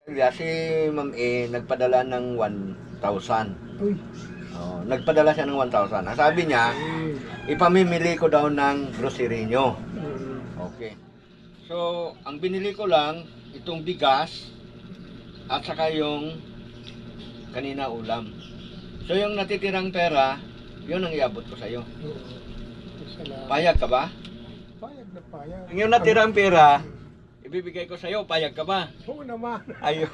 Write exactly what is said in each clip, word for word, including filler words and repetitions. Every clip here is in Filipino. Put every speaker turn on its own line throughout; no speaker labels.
Yeah, si Ma'am E, nagpadala ng one thousand.
Uy.
Oh, nagpadala siya ng one thousand. Ang sabi niya, ipamimili ko daw ng grocery nyo. Okay. So, ang binili ko lang, itong bigas, at saka yung kanina ulam. So, yung natitirang pera, yun ang iabot ko sa'yo.
Salamat.
Payag ka ba?
Payag na payag.
Yung natirang pera, ibibigay ko sa'yo, payag ka ba?
Oo naman.
Ayun.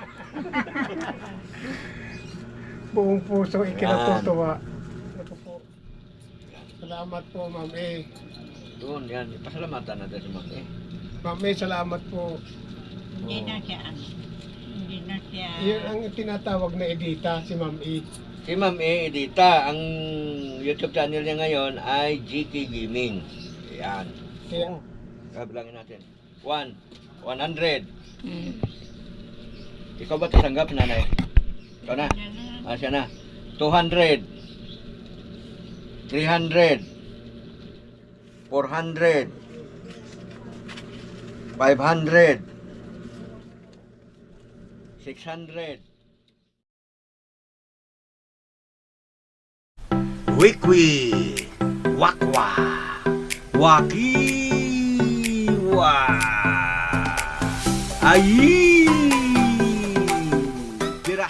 Buong puso ikinatutuwa. Ito po. Salamat po, Ma'am E.
Doon, yan. Pasalamatan natin si Ma'am E.
Ma'am E, salamat po.
Hindi na siya ano. Hindi na siya.
Yan ang tinatawag na Edita, si Ma'am E.
Si Ma'am E, Edita, ang YouTube channel niya ngayon ay G K Gaming. Ayan.
Kaya,
Kabilangin natin. one, one hundred.
Mm.
Ikaw ba tatanggap, nanay? Ikaw na. Ah, siya na. two hundred. three hundred. four hundred. five hundred. six hundred.
Wikwi, wakwa, wakiwa, ayi, tira.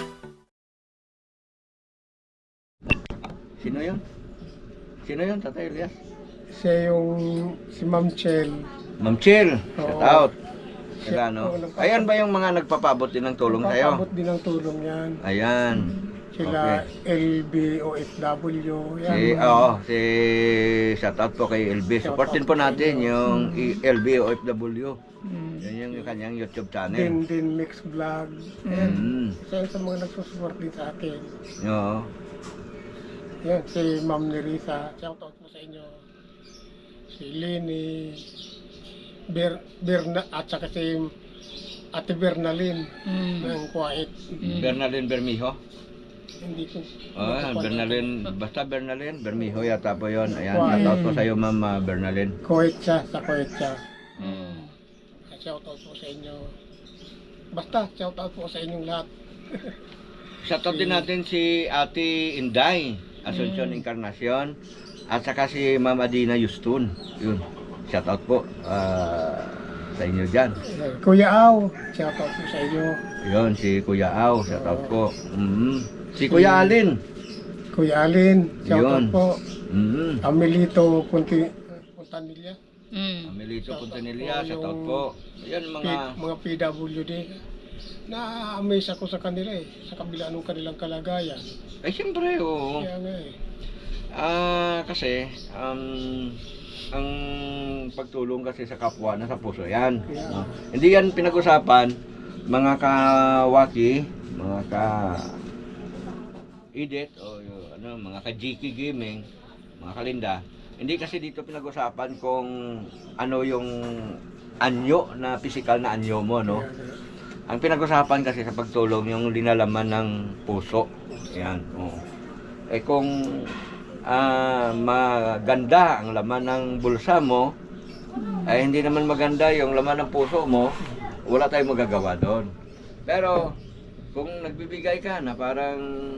Sino yun? Sino yun, Tatay Elias?
siya yung si Ma'am Chel.
Ma'am Chil, shout
Oo.
out.
Siya-
Sila, no?
oo, nagpapa-
Ayan ba yung mga nagpapabot din ng tulong sa'yo?
Nagpapabot din ng tulong yan.
Ayan.
Sila L B O F W. Yan.
Si, oo, si shout out po kay L B.
Shout
Supportin
out
po
po sa
natin
inyo.
yung I- L B O F W.
Mm.
Yan yung kanyang YouTube channel.
Din din mix vlog. Ayan.
Mm.
Isa yun sa mga nagsusupport din sa akin.
Oo.
Yan, si Ma'am Nerissa. Shout out po sa inyo. Si Lenny. Ber, Berna, at saka si Ate Bernalyn
Mm.
ng Kuwait.
Bernalyn Bermijo.
Hindi ko.
Oh,
hindi ko pa-
Bernalyn, basta Bernalyn Bermijo yata po yun. Ayan,
Wow.
shout out po sa iyo, Ma'am ah, Bernalyn.
Kuwait siya, sa Kuwait siya.
Mm.
Shout out po sa inyo. Basta, shout out po sa inyong lahat.
Shout out din natin si Ate Inday, Asuncion Encarnacion, at saka si Ma'am Adina Yustun. Yun. Shout out po ah, sa inyo dyan.
Kuya Au, shout out po sa inyo.
Yun, si Kuya Au, shout out po. Mhm. Si Kuya Alin.
Kuya Alin, shout
Yun.
out po.
Mhm.
Amelito Punti, Puntanilla.
Mm.
Amelito
Shout out
Puntanilla,
po
shout out
yung
po. Ayan
P,
mga
mga P W D. Na-amaze ako sa kanila eh, sa kabila ng kanilang kalagayan.
ay siyempre, oo.
Kaya nga eh.
Ah, kasi um ang pagtulong kasi sa kapwa nasa puso yan. No? Hindi yan pinag-usapan mga kawaki, mga ka edit o yung, ano, mga ka G K Gaming, mga kalinda. Hindi kasi dito pinag-usapan kung ano yung anyo na physical na anyo mo, no? Ang pinag-usapan kasi sa pagtulong yung linalaman ng puso. Yan. Oh. Eh kung ah, maganda ang laman ng bulsa mo, ay hindi naman maganda yung laman ng puso mo, wala tayong magagawa doon. Pero kung nagbibigay ka na parang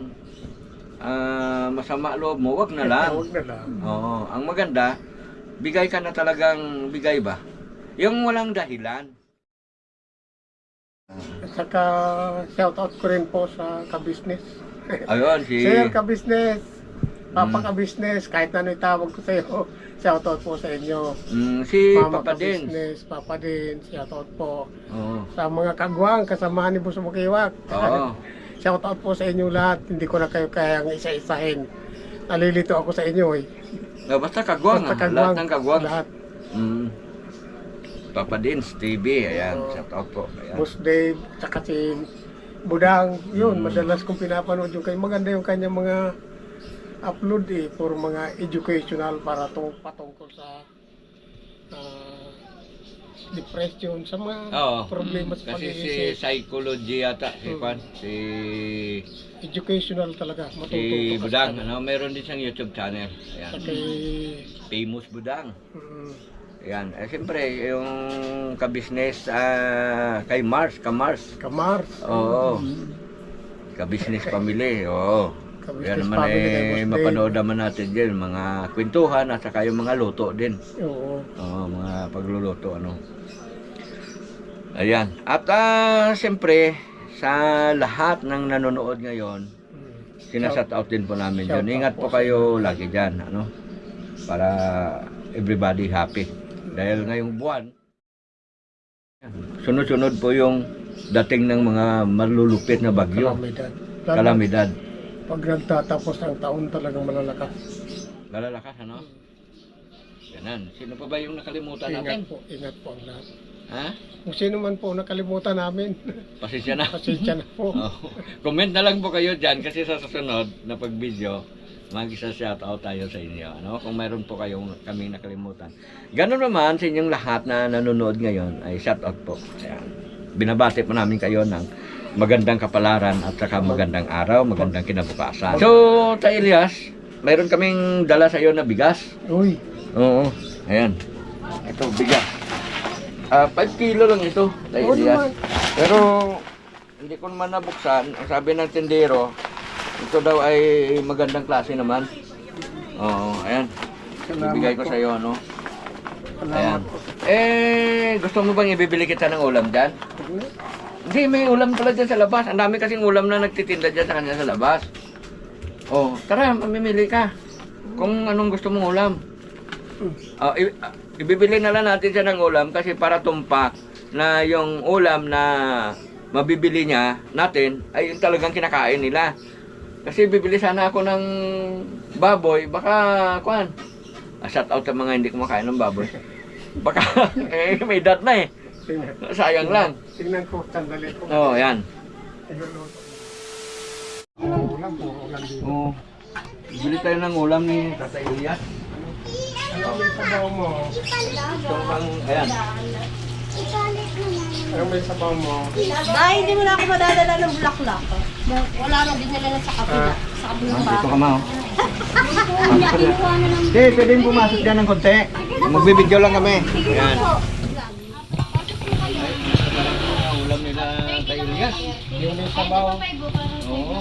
ah, masama loob mo, wag na lang.
Huwag na lang.
Oo, ang maganda, bigay ka na talagang bigay ba? Yung walang dahilan.
At saka shout out ko rin po sa ka-business.
Ayun, si...
Sir ka-business, Papa ka-business, kahit na ano itawag ko sa iyo, shout out po sa inyo.
Mm, si
Mama
Papa din.
ka-business, Papa din, shout out po.
Oo.
Sa mga kagwang, kasamahan ni Buso Makiwak.
Oo.
Shout out po sa inyo lahat, hindi ko na kayo kayang isa-isahin. Nalilito ako sa inyo eh.
No, basta kagwang,
Basta
ah. Lahat ng kagwang.
Lahat.
Mm. Papa din, Stevie, ayan,
Oo.
shout out po. Ayan.
Boss Dave, tsaka si Budang, yun,
Mm.
madalas kong pinapanood yung kay maganda yung kanyang mga upload eh, for mga educational para to patungkol sa ah, depression, sa mga
Oo.
problema sa
Kasi si
pag-iisip.
psychology yata, si
Mm.
Juan, si
Educational talaga,
si
matututo ka
Budang,
sa-
ano, meron din siyang YouTube channel.
Sa
Ayan.
kay,
Famous Budang.
mm,
Ayan. Eh, siyempre, yung ka-business ah, kay Mars, ka-Mars.
Kamars.
Oo. Ka-business family, oo.
Ka-business
Yan naman
family kay
eh,
Boss Dave.
mapanood naman natin din, mga kwentuhan at saka yung mga luto din.
Oo.
Oo, mga pagluluto, ano. Ayan. At ah, siyempre, sa lahat ng nanonood ngayon,
Mm.
sinashout out din po namin
Shout
yun.
out
Ingat
po
po
sa
kayo lagi dyan, ano, para everybody happy. Dahil ngayong buwan, sunod-sunod po yung dating ng mga malulupit na bagyo,
Kalamidad.
kalamidad.
Pag nagtatapos ang taon talagang malalakas.
Lalalakas, ano? Ganan. Sino pa ba yung nakalimutan
Ingat
natin?
po, ingat po ang lahat.
Ha?
Kung sino man po nakalimutan namin,
Pasensya na.
pasensya na po.
Oh. Comment na lang po kayo dyan kasi sa susunod na pag-video, mag-isa-shoutout tayo sa inyo. Ano? Kung mayroon po kayong kami nakalimutan. Ganun naman sa inyong lahat na nanonood ngayon ay shoutout po. Ayan. Binabati po namin kayo ng magandang kapalaran at saka magandang araw, magandang kinabukasan. So, Tay Elias, mayroon kaming dala sa iyo na bigas.
Uy,
Oo. Ayan. Ito, bigas. Ah, five kilo lang ito, Tay
Oo
Elias.
naman.
Pero, hindi ko naman nabuksan. Ang sabi ng tindero, ito daw ay magandang klase naman. Oo, ayan.
Salamat
Ibigay ko
po.
sa iyo, no?
salamat
Ayan.
po.
Eh, gusto mo bang ibibili kita ng ulam dyan? Hindi, may ulam pala dyan sa labas. Ang dami kasing ulam na nagtitinda dyan sa kanya sa labas. Oh, tara, mamimili ka. Kung anong gusto mong ulam. Oh, i- ah, ibibili na lang natin siya ng ulam kasi para tumpak na yung ulam na mabibili niya natin ay yung talagang kinakain nila. Kasi bibili sana ako ng baboy, baka, kuan, ah, shout out sa mga hindi kumakain ng baboy. Baka, eh, may edad na eh.
Tingnan,
Sayang lang.
tingnan ko, sandali ko.
Oo, oh, yan.
Iluluto. Ang ulam po, ulam dito.
Oo. Bili tayo ng ulam ni Tata Elias.
Ano may sabaw mo?
Ito pang, ayan.
Ano may sabaw mo?
Dahil hindi mo na ako madadala ng bulaklak. Wala nang dinala na sa kapila. Sa kabilang
Dito
bahay.
ka, ma.
Niya, kinuha na ng...
Hindi, pwede pumasok dyan ng konti. Magbibideo lang kami. Ayan. Ulam nila Tata Elias.
Yung may sabaw.
Oo.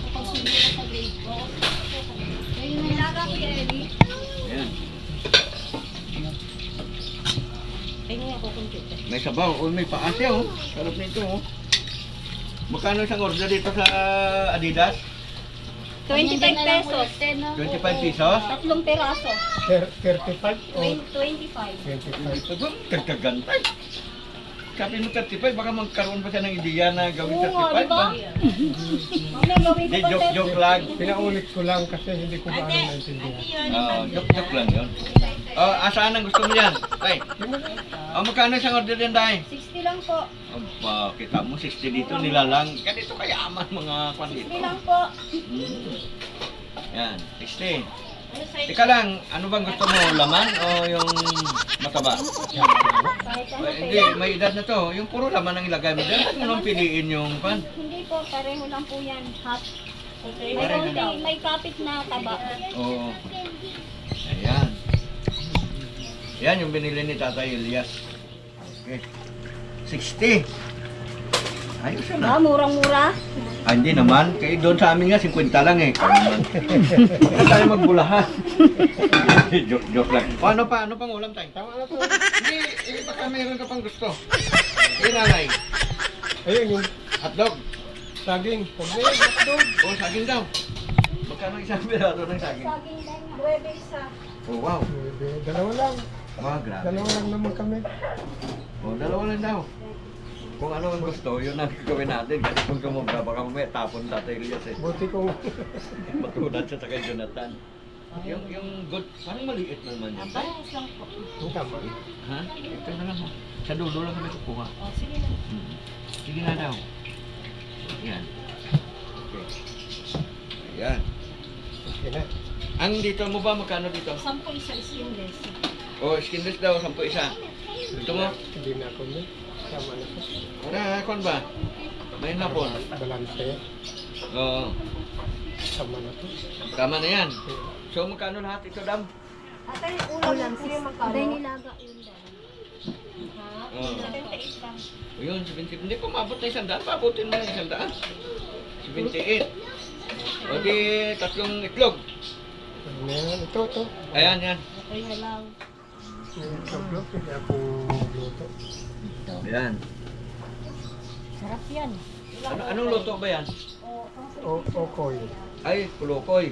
Ayan.
Tingnan ako kung dito.
May sabaw. O, may paa siya, oh. Sarap nito, oh. Magkano isang order dito sa Adidas?
twenty-five pesos.
twenty-five pesos?
Tatlong peraso.
Thir- thirty-five o
twenty-five.
twenty-five?
Ito ba? Kagagantay. Sabi mo thirty-five, baka magkaroon pa siya ng ideya na gawin
Oo nga,
thirty-five
di ba?
ba?
Mamaya gawin ko
Hindi,
pa
joke, joke lang.
Pinaulit ko lang kasi hindi ko ba ano naintindihan.
Oo, joke, joke lang yun. Oh, asaan ang gusto mo yan? Tay. Oh, magkano isang order yan, Tay?
sixty lang po.
Aba, kita mo, sixty dito nilalang. Ganito kayaman mga kwan dito.
sixty lang po.
Hmm. Yan, sixty. Teka lang, ano bang gusto mo? Laman o yung mataba?
Kahit ano
Eh,
po
hindi,
yan.
may edad na to. Yung puro laman ang ilagay mo dyan. Huwag mo nang piliin yung pan.
Hindi po, pareho lang po yan. Hot. May
Pareho
konti,
lang.
may kapit na taba.
Oo. Ayan. Yan yung binili ni Tatay Elias. Okay. sixty. Ayos yan
Ah,
ah.
murang-mura.
Ah, hindi naman. Kaya doon sa amin nga, fifty lang eh. Kaya naman. Huwag tayo magbulahan. joke, joke lang. O, ano pa? Ano pang ulam tayo?
Tama na po.
Hindi, hindi baka mayroon ka pang gusto. Hindi nanay.
Ayun yung
Hotdog.
saging. Pwede, hotdog.
O, saging daw. Magkano isang piraso ng saging?
Saging din. Nueve isa.
Oh, wow.
Pwede, dalawa lang.
Wow, grabe.
Dalawa lang naman kami.
O, dalawa lang daw. Kung ano ang gusto, yun ang gawin natin. Kasi kung sumubra, baka mamaya tapon Tatay Elias eh.
Buti kong
Matulad siya sa kay Jonathan. Yung, yung good, parang maliit naman yun.
Parehas lang po.
ang tama.
Ha? Ito na lang. oh. Sa dulo lang kami kukuha.
O, sige na.
Hmm. Sige na daw. Yan. Okay. Ayan.
Okay na.
Ang dito mo ba, magkano dito?
Sampo isa skinless.
O, oh, skinless daw, sampu isa. Ito mo?
Hindi na ako na. Tama na po.
Para, kon ba? May napon.
Balanse.
Oo.
Tama na po.
Tama na yan. So, magkano lahat ito, Dam?
Ate, ulam po yung magkano?
Day nilaga yun dahil.
Oh.
seventy-eight lang.
O yun, seventy-eight. Hindi ko maabot na isang daan. Paabutin mo na isang daan. seventy-eight. O di, tatlong itlog.
Ano yan? Ito, ito.
Ayan, yan.
Okay na lang.
Yung itlog, hindi ako luto.
Ayan.
Sarap yan.
Ano, anong luto ba yan?
O, okoy.
Ay, kulukoy.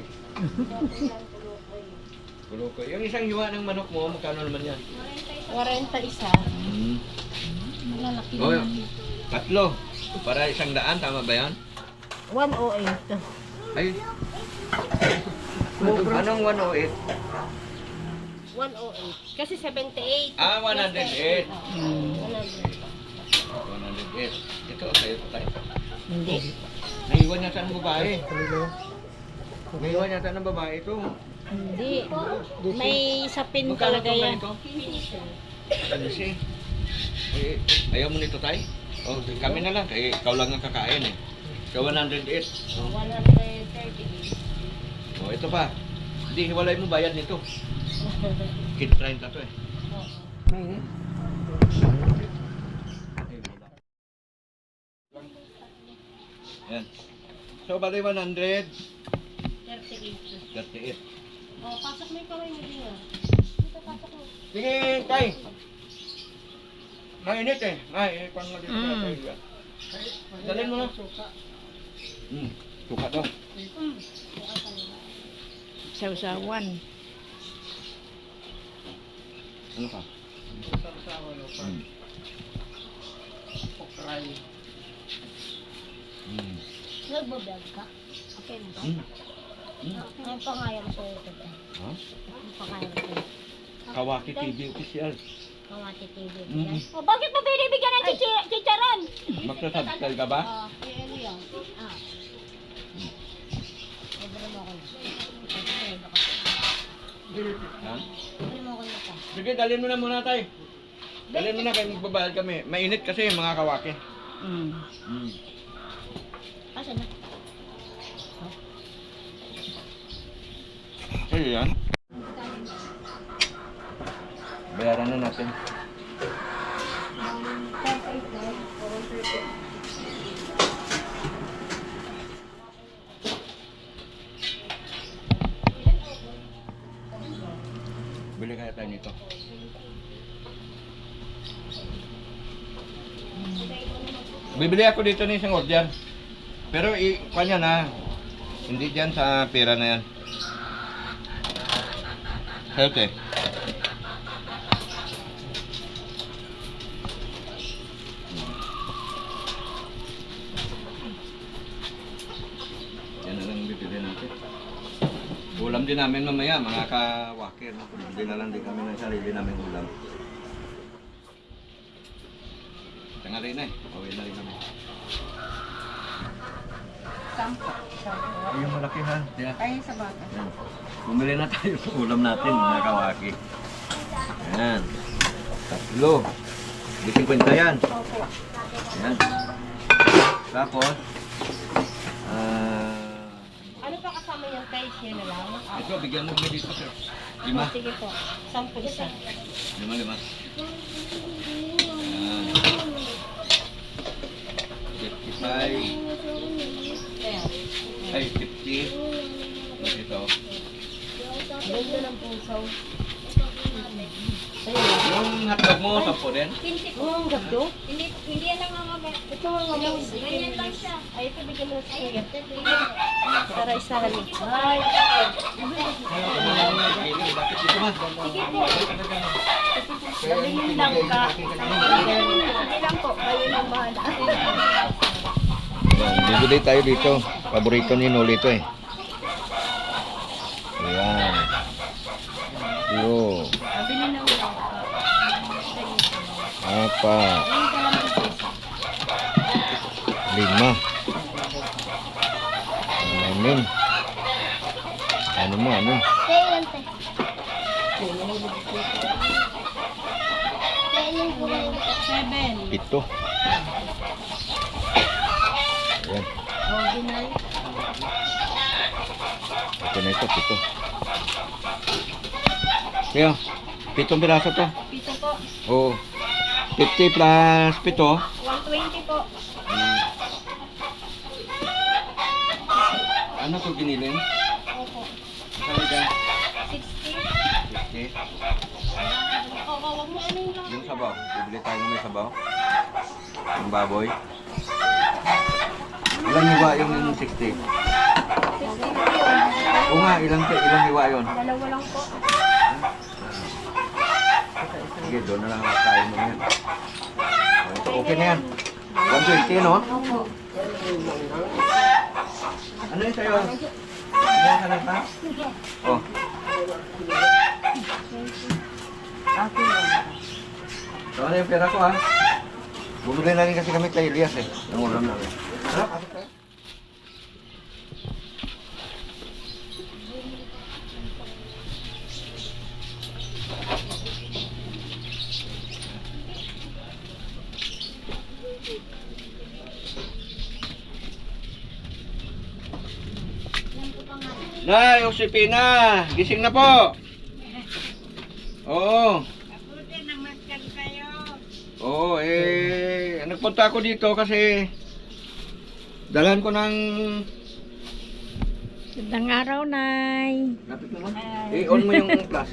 Kulukoy. Yung isang yuwa ng manok mo, magkano naman yan?
Warenta isa.
Hmm.
Malalaki
O,
naman.
tatlo. Para isang daan, tama ba yan?
one oh eight.
Ay. Anong one oh eight?
one oh eight. Kasi seventy-eight.
Ah, one oh eight.
one hundred.
one oh eight. Ito, sa'yo to tayo.
Hindi.
Naiwan yata ng babae.
Ano ba?
Naiwan yata ng babae ito.
Hindi. May sapin
Magkano
talaga
itong
yan.
ganito? Ano siya? Eh, ayaw mo nito tayo? Oh, kami na lang. Kaya ikaw lang ang kakain eh. So, one oh eight. Oh.
one hundred thirty.
Oh, ito pa. Hindi, hiwalay mo bayad nito. Kid train to eh.
May
Yan. So, bali one hundred
thirty-eight.
thirty-eight.
Oh, pasok mo yung kamay mo din ah. Dito, pasok mo.
Sige, tay. Mainit eh. Ay, eh, pang mo dito.
Mm.
Dalhin mo na. Hmm, suka daw.
sausawan.
Ano ka? Hmm.
Okray.
Hmm.
Nagbablog ka? Okay na ba?
Hmm.
Ang pangalan ko ito ba?
Ha?
Ang pangalan ko.
Kawaki T V official.
Kamati T V.
Mm.
Oh, bakit mo binibigyan ng chichi- chicharon?
Magsasubscribe ka ba?
Ah, eh, ano yan? Ah. Libre mo ako. Libre mo ako.
Ha?
Libre mo ako na pa.
Sige, dalhin mo na muna tayo. Dalhin mo na kayo magbabayad kami. Mainit kasi mga kawaki.
Mm.
Hmm.
Asa na?
Sa'yo yan? Bayaran na natin. Bili kaya tayo nito. Bibili ako dito ng isang order. Pero i kanya na. Hindi diyan sa pera na yan. Healthy. Yan na lang bibili natin. Ulam din namin mamaya, mga kawakir. No? Bibili na lang din kami ng sarili namin ulam. Tangali na eh. Pauwi na rin kami.
Sampo.
Ay, yung malaki ha. Yeah.
Ay, sa bata.
Yan. Bumili na tayo sa ulam natin, mga kawaki. Yan. Tatlo. Di kwenta yan. Yan. Tapos, ah,
Ano pa kasama yung tayo? Siya na lang? Ah,
ito, bigyan mo kami dito, sir. Lima.
sige po. Sampo isa.
Lima, lima. Yan. fifty-five.
Ayan.
Ay, fifty. Ito.
Ganda ng puso.
Yung hotdog mo, sampo din.
Oh, ang gabdo?
Hindi, hindi yan lang mga ba?
Ito ang mga
Ganyan lang siya.
Ay, ito bigyan mo sa kanya. Para isa kami. Ay,
Bakit dito ma?
sige po. Sabihin lang ka. Sige lang po. Kayo nang bahala.
Yan, bibili tayo dito. Paborito ni Noli ito eh. Ayan. Yo.
Sabi na na ulam ka.
Apat. Lima. Anim. Ano mo, ano?
Kaya yan, te. Kaya yan po kayo.
Seven.
Pito. Ayan.
Ordinary.
Ito na ito, pito. Kaya, pitong piraso to.
Pito po.
Oo. fifty plus pito.
one twenty po.
Hmm. Ano to giniling?
Opo.
Saan ka?
sixty.
fifty.
Oo, wag mo ano yung
Yung sabaw. Bibili tayo ng may sabaw. Yung baboy. Ilang hiwa yung yung sixty?
sixty po yun.
Oo nga, ilang, ilang hiwa yun?
Dalawa lang po.
Sige, doon na lang ako tayo mo yan. Okay, okay na yan. one twenty, no?
Opo.
Ano yun sa'yo? Ilan ka lang pa? Oh. So, ano yung pera ko, ha? Bumili na rin kasi kami kay Elias, eh. Ang ulam namin. Harap, harap kayo. Nay, Josepina, gising na po. Oo.
Mabuti naman dyan kayo.
Oo, eh, nagpunta ako dito kasi dalan ko ng...
Magandang araw, Nay.
Lapit naman. I-on mo yung flash.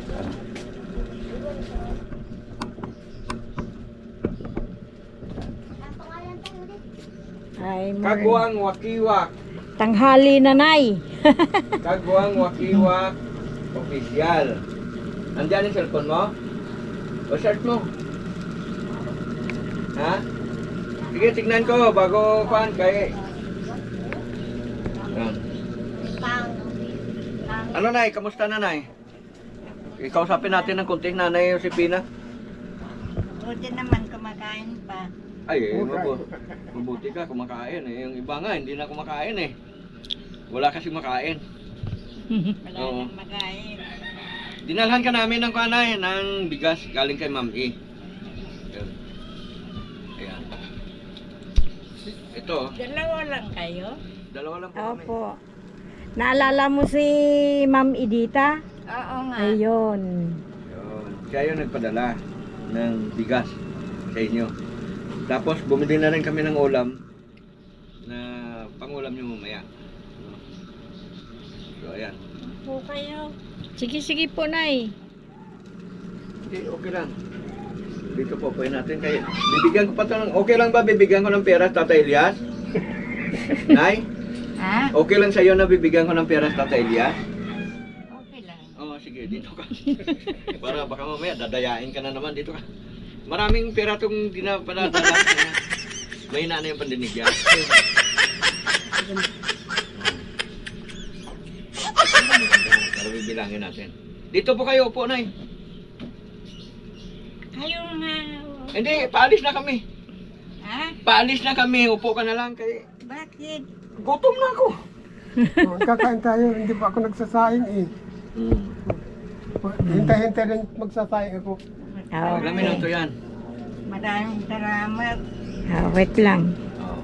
Ay,
Kagwang wakiwak.
tanghali na, Nay.
Kagwang wakiwak. Official. Andiyan yung cellphone mo? O search mo. Ha? Sige, tignan ko bago kuhan kay. Yan. Ano, Nay? Kamusta, Nanay? Ikausapin natin ng kunting Nanay Josepina.
Buti naman kumakain pa.
Ay, eh, mabu- mabuti ka kumakain eh. Yung iba nga, hindi na kumakain eh. Wala kasi makain.
Wala
Oo.
nang makain.
Dinalhan ka namin ng kanay ng bigas galing kay Ma'am E. Yun. Ayan. Ito,
Dalawa lang kayo?
dalawa lang po kami.
Opo. Naalala mo si Ma'am Edita?
Oo nga.
Ayun.
Yun. Siya yung nagpadala ng bigas sa inyo. Tapos bumili na rin kami ng ulam na pangulam nyo mamaya. So, ayan.
Po kayo.
Sige, sige po, Nay.
Okay, okay lang. Dito po po natin kayo. Bibigyan ko pa ito ng... Okay lang ba bibigyan ko ng pera sa Tata Elias? Nay?
Ha?
Okay lang sa'yo na bibigyan ko ng pera sa Tata Elias?
Okay lang.
Oo, sige, dito ka. Para baka mamaya dadayain ka na naman dito ka. Maraming pera itong dinapadadala. May na yung pandinig yan. Para bibilangin natin. Dito po kayo, upo, Nay.
Kayo nga.
Hindi, paalis na kami.
Ha?
Paalis na kami, upo ka na lang kay...
Bakit?
Gutom na ako.
Oh, kakain tayo, hindi pa ako nagsasaing eh.
Hmm.
Hintay-hintay rin magsasaing ako.
Oh,
Ilang minuto yan?
Maraming salamat.
oh, wait lang.
Oo.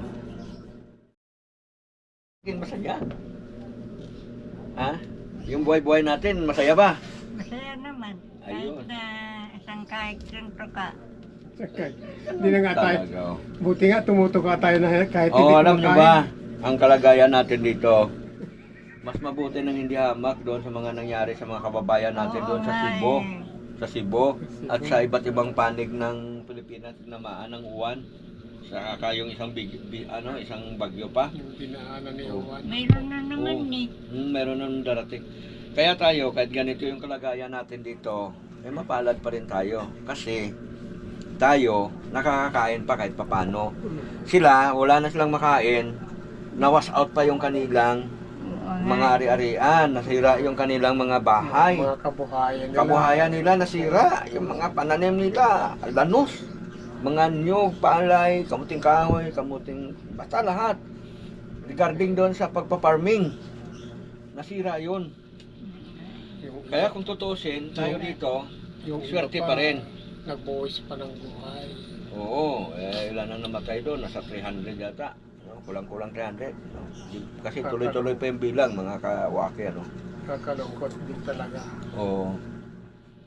Oh. Masaya. Ha? Yung buhay-buhay natin, masaya ba?
Masaya naman.
Ayun.
Kahit na isang kahit ganito ka.
Okay. Hindi na nga tayo.
Talaga. oh.
Buti nga tumutuka tayo na kahit
Oo,
hindi
alam nyo
kumakain.
ba, ang kalagayan natin dito, mas mabuti nang hindi hamak doon sa mga nangyari sa mga kababayan natin
Oo
doon sa
nga
Cebu.
eh.
Sa Cebu at sa iba't ibang panig ng Pilipinas tinamaan ng uwan. Saka yung isang big, bi- ano, isang bagyo pa.
Yung dinaanan ni
Oo.
Juan.
Mayroon na naman
Oo.
eh.
Hmm, meron nang darating. Kaya tayo, kahit ganito yung kalagayan natin dito, eh mapalad pa rin tayo. Kasi tayo, nakakakain pa kahit papano. Sila, wala na silang makain, nawas out pa yung kanilang
Oo nga.
mga ari-arian, nasira yung kanilang mga bahay.
Mga kabuhayan nila.
Kabuhayan nila nasira, yung mga pananim nila, lanos, mga nyug, palay, kamuting kahoy, kamuting, basta lahat. Regarding doon sa pagpa-farming, nasira yun.
Yung,
Kaya kung tutusin, tayo dito,
yung
swerte
iba
pa rin.
Nagbuhis pa ng buhay.
Oo, eh, ilan ang namatay doon? Nasa three hundred yata. No? Kulang-kulang three hundred. No? Kasi tuloy-tuloy pa yung bilang, mga kawaki. Ano?
Kakalungkot din talaga.
Oo.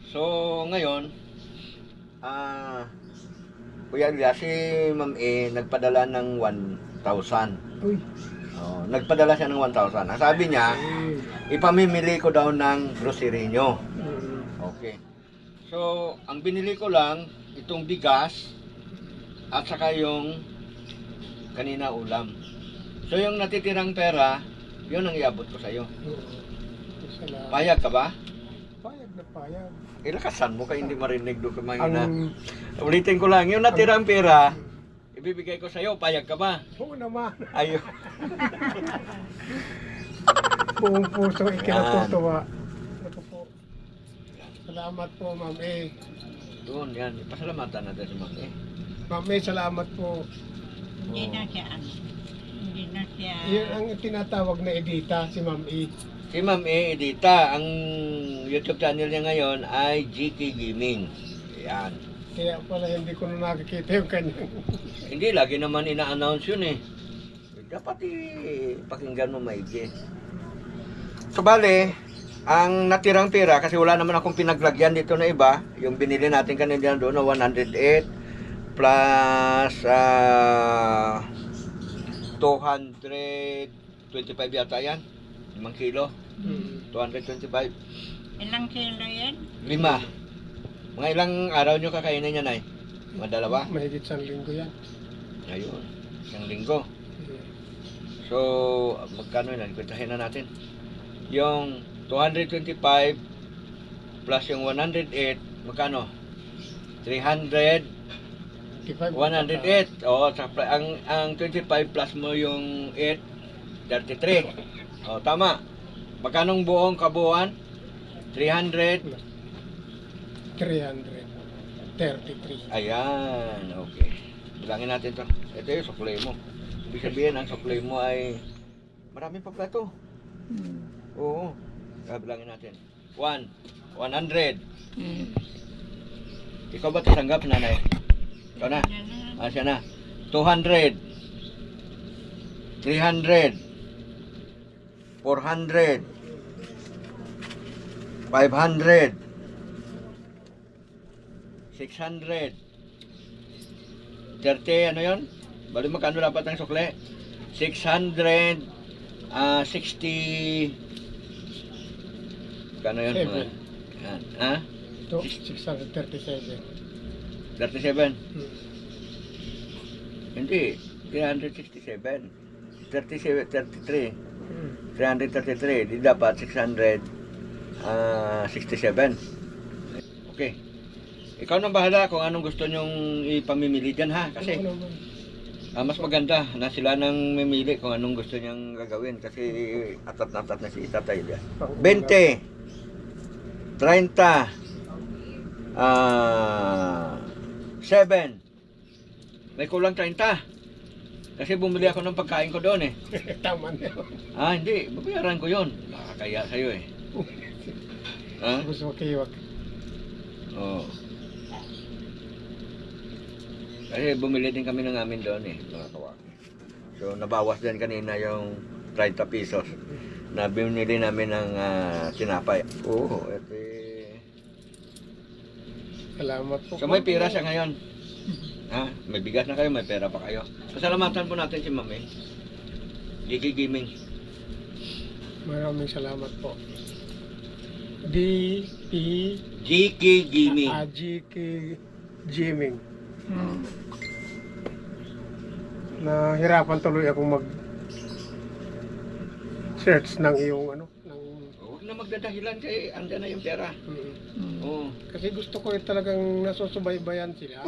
So, ngayon, ah, Kuya Elias, si Ma'am E, nagpadala ng one thousand.
Uy.
Oh, nagpadala siya ng one thousand. Ang sabi niya,
Mm.
ipamimili ko daw ng grocery nyo.
Mm.
Okay. So, ang binili ko lang, itong bigas, at saka yung kanina ulam. So, yung natitirang pera, yun ang iabot ko sa'yo.
Oo. Salamat.
Payag ka ba?
Payag na payag.
Ilakasan mo ka, hindi marinig doon kamahina.
Ang,
Ulitin ko lang, yung natirang pera, ibibigay ko sa'yo, payag ka ba?
oo naman,
Ayun.
buong puso ikinatutuwa. Ito po. Salamat po, Ma'am E.
Doon, yan. Pasalamatan natin si Ma'am E.
Ma'am E, salamat po.
Hindi na siya ano. Hindi na siya...
Yan ang tinatawag na Edita, si Ma'am E.
Si Ma'am E, Edita, ang YouTube channel niya ngayon ay G K Gaming. Yan.
Kaya pala hindi ko na nakikita yung kanyang.
Hindi, lagi naman ina-announce yun eh. Dapat ipakinggan mo maigi. So bale, ang natirang pera, kasi wala naman akong pinaglagyan dito na iba, yung binili natin kanina doon na one hundred eight plus uh, two hundred twenty-five yata yan. limang kilo.
Hmm.
two hundred twenty-five.
Ilang kilo yan?
Lima. Mga ilang araw nyo kakainin yan ay? Mga dalawa?
Mahigit sa linggo yan.
Ayun. Isang linggo. So, magkano yun? Kwentahin na natin. Yung two hundred twenty-five plus yung one hundred eight, magkano? three hundred, one hundred eight. Oo, sa ang ang twenty-five plus mo yung eight, thirty-three. Oh, tama. Magkanong buong kabuuan? three hundred.
three hundred thirty-three.
Ayan, okay. Bilangin natin to. Ito yung suklay mo. Ibig sabihin, ang suklay mo ay maraming pa plato. Oo. Kaya bilangin natin. one, one hundred. Ikaw ba tatanggap, nanay? Ikaw na? Ah, siya na. two hundred. three hundred. four hundred. five hundred. six hundred. thirty, ano yun? Bali magkano dapat ang sukle? six hundred. Ah, sixty. Kano yun?
Seven.
Yan. Ha?
Ito, six hundred thirty-seven.
thirty-seven.
Hmm.
Hindi. three hundred sixty-seven. thirty-seven, thirty-three.
Hmm.
three hundred thirty-three. Di dapat six hundred sixty-seven. Okay. Ikaw nang bahala kung anong gusto nyong ipamimili dyan ha. Kasi
Ano naman?
ah, mas maganda na sila nang mamili kung anong gusto niyang gagawin. Kasi atat na atat na si Itatay dyan. twenty. thirty. Ah, seven. May kulang thirty. Kasi bumili ako ng pagkain ko doon eh.
Tama na.
Ah, hindi. Babayaran ko yun. Nakakaya sa'yo eh. Ha?
Gusto mo kiwag.
Oo. Kasi bumili din kami ng amin doon eh, mga kawaki. So, nabawas din kanina yung thirty pesos na binili namin ng uh, sinapay. Oo, ito eh.
Salamat po.
So, may pera siya ngayon. Ha? May bigas na kayo, may pera pa kayo. Pasalamatan po natin si Mami. G K Gaming.
Maraming salamat po. D P
G K Gaming.
Ah, G K Gaming. Nahirapan tuloy ako mag search ng iyong ano ng
Huwag na magdadahilan kay andyan na yung pera.
mm,
Oo.
kasi gusto ko eh talagang nasusubaybayan sila.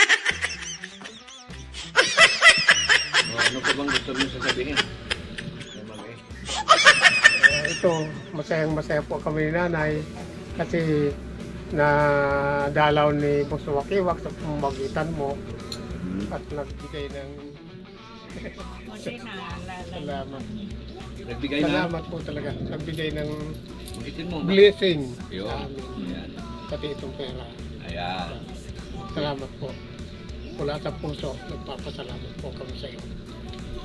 Oh, ano pa bang gusto mo sasabihin? Kay Mami.
Eh, ito, masayang masaya po kami ni nanay kasi na dalaw ni Boss Wakiwak sa pamagitan mo at nagbigay ng
Buti na alala.
salamat.
Nagbigay na.
Salamat po talaga. Nagbigay ng
Ulitin mo.
blessing
Yun.
sa amin.
Ayan.
Pati itong pera.
Ayan.
Salamat po. Mula sa puso, nagpapasalamat po kami sa iyo.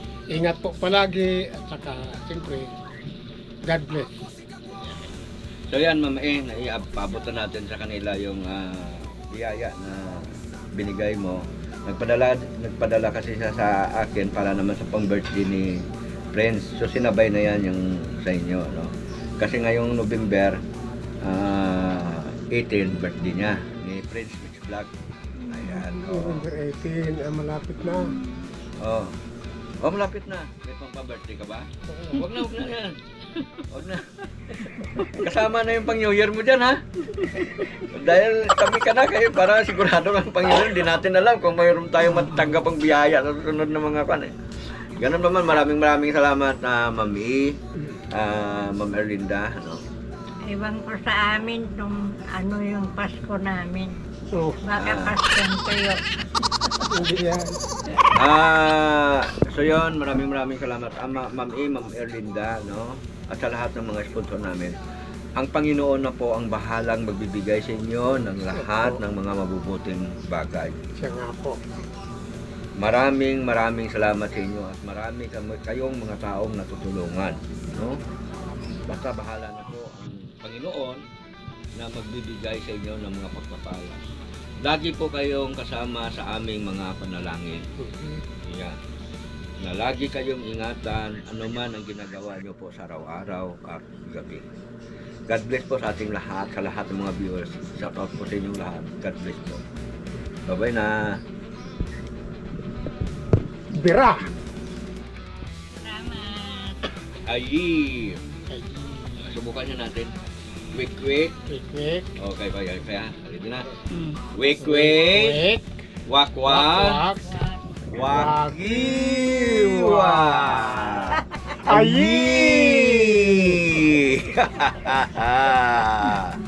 Ingat po palagi at saka siyempre, God bless.
So yan, Ma'am E, naipabutan natin sa kanila yung ah, biyaya na binigay mo. Nagpadala nagpadala kasi siya sa akin para naman sa pang-birthday ni Prince. So sinabay na yan yung sa inyo, no? Kasi ngayong November ah, eighteen birthday niya ni Prince Mix Vlog. Ayan, oh.
November eighteen, ah, malapit na.
Oh. Oh, malapit na. May pang-birthday ka ba? Huwag na, huwag na yan. Huwag na. Kasama na yung pang-New Year mo dyan, ha? Dahil kami ka na kayo para sigurado ang pang-New Year. Hindi natin alam kung mayroon tayong matatanggap ang biyaya sa susunod na mga kan eh. Ganun naman, maraming maraming salamat na Ma'am E, ah, Ma'am Erlinda, ano?
Iwan ko sa amin nung ano yung Pasko namin.
So,
Baka
Ah.
Pasko kayo.
hindi yan.
Ah, so yon, maraming maraming salamat ah, Ma- Ma'am E, Ma'am Erlinda, no? At sa lahat ng mga sponsor namin. Ang Panginoon na po ang bahalang magbibigay sa inyo ng lahat ng mga mabubuting bagay.
Siya nga po.
Maraming maraming salamat sa inyo at marami kami- kayong mga taong natutulungan, no? Basta bahala na po ang Panginoon na magbibigay sa inyo ng mga pagpapala. Lagi po kayong kasama sa aming mga panalangin. Yan. Na lagi kayong ingatan anuman ang ginagawa nyo po sa araw-araw at gabi. God bless po sa ating lahat, sa lahat ng mga viewers. Shout out po sa inyong lahat. God bless po. Bye-bye na.
Bira!
Salamat.
Ayi. Subukan nyo natin. Quick, quick.
Quick, quick.
Okay, kaya, kaya. Halito na.
Hmm.
Quick, quick.
Quick.
Wak, wak.
Wak.
Wakiwa.
Ayi!
Ayi.